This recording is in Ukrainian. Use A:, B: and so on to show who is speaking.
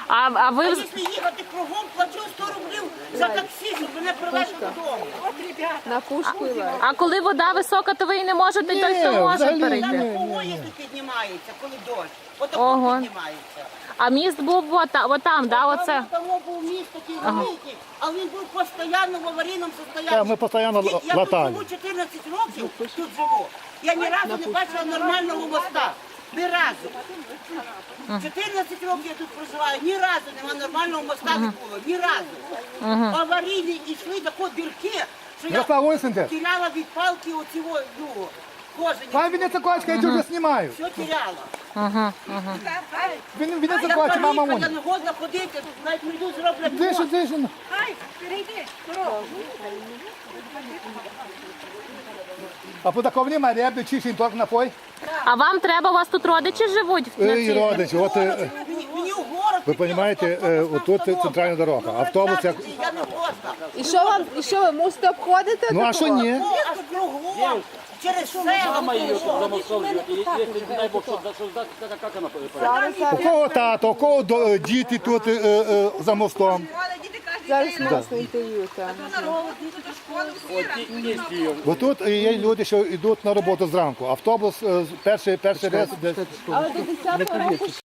A: А ви...
B: Якщо їхати кругом, плачу 100 рублів за таксі, щоб мене привезти додому.
C: На пушку і
A: А коли вода висока, то ви і не можете, той, хто може
B: Там
A: перейти.
B: поїзд піднімається, коли дощ. Отак
A: Ого.
B: піднімається.
A: А міст був отам, да, оце?
B: Там був міст такий великий, але він був постійно в аварійному стані.
D: Так, ми постійно
B: Я тут
D: латали.
B: живу 14 років, тут живу. Я ні разу не бачила нормального моста. Ні разу. 14 років я тут проживаю, ні разу нема нормального моста не було, ні разу. Аварійні йшли тако дірки, що я
D: Ярослав Ойсендер,
B: теряла від палки оцього, кожені.
D: пан Вінниця-Кочка, я тебе знімаю.
B: Все теряла.
D: Вінниця-Кочка, мама
B: Я
D: Моня.
B: не годна ходити, навіть прийду зроблять
D: Дише,
B: мост.
D: дише. А по такому немає ряби, чищень торг напой.
A: А вам треба, у вас тут родичі живуть?
D: І родичі, от
B: Мені в город.
D: ви розумієте, отут центральна дорога. Автобус як...
B: Я не годна.
C: І що ви мусите обходити?
D: Ну а що ні?
B: О, аж кругом. Через село.
D: У кого тато, у кого діти тут за мостом.
C: Зараз нас на інтерв'ю.
D: Бо тут є люди, що йдуть на роботу зранку. Автобус перший рейс десь.
C: Але до 10 року